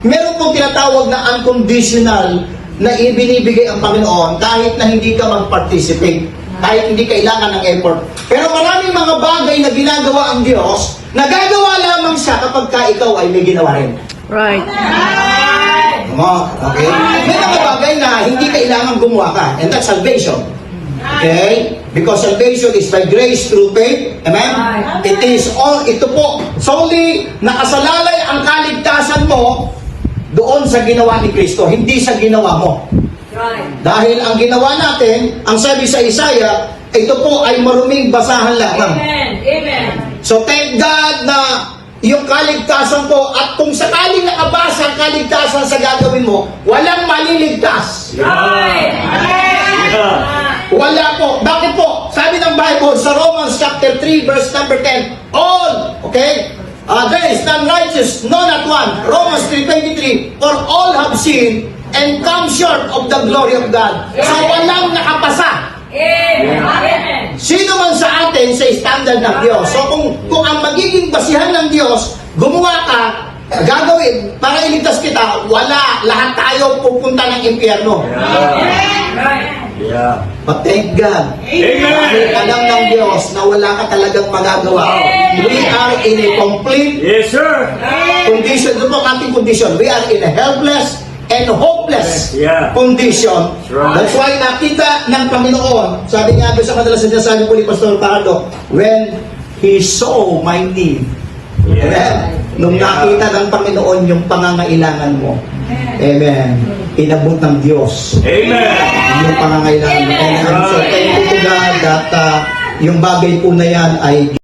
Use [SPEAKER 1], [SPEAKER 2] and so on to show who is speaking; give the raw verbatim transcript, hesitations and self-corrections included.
[SPEAKER 1] Meron pong tinatawag na unconditional na ibinibigay ang Panginoon kahit na hindi ka mag-participate, kahit hindi kailangan ng effort. Pero maraming mga bagay na ginagawa ang Diyos, nagagawa lamang siya kapag ka ikaw ay may ginawa rin.
[SPEAKER 2] Right.
[SPEAKER 1] Mo, okay? May mga bagay na hindi kailangan gumawa ka, and that's salvation. Okay? Because salvation is by grace through faith. Amen? It is all, ito po, solely nakasalalay ang kaligtasan mo doon sa ginawa ni Kristo, hindi sa ginawa mo. Dahil ang ginawa natin, ang sabi sa Isaiah, ito po ay maruming basahan lamang.
[SPEAKER 3] Amen. Amen.
[SPEAKER 1] So thank God na yung kaligtasan po, at kung sakaling nakabasa ang kaligtasan sa gagawin mo, walang maliligtas.
[SPEAKER 3] Right.
[SPEAKER 1] Wala po. Bakit po? Sabi ng Bible sa Romans chapter three verse number ten, all, okay? Uh, there is none righteous, no not one. Romans three twenty-three, for all have sinned and come short of the glory of God. So walang nakapasa.
[SPEAKER 3] Amen. Amen.
[SPEAKER 1] Sino man sa atin sa standard ng Diyos. So kung, kung ang magiging basihan ng Diyos, gumawa ka, gagawin, para iligtas kita, wala, lahat tayo pupunta ng impyerno.
[SPEAKER 3] Right.
[SPEAKER 4] Yeah.
[SPEAKER 1] But thank God,
[SPEAKER 4] Amen.
[SPEAKER 1] dahil alam ng Diyos na wala ka talagang magagawa. We are in a complete
[SPEAKER 4] Yes, sir.
[SPEAKER 1] condition. Ito po ang ating condition. We are in a helpless and hopeless
[SPEAKER 4] Yeah.
[SPEAKER 1] condition.
[SPEAKER 4] Right.
[SPEAKER 1] That's why nakita ng Panginoon, sabi nga doon sa madalas na sinasabi po ni Pastor Pardo, when He saw my need.
[SPEAKER 4] Yeah.
[SPEAKER 1] Amen? Nung nakita ng Panginoon yung pangangailangan mo. Amen. Inabot ng Diyos
[SPEAKER 4] Amen.
[SPEAKER 1] yung pangangailangan mo. And I'm so thankful to God that uh, yung bagay po na yan ay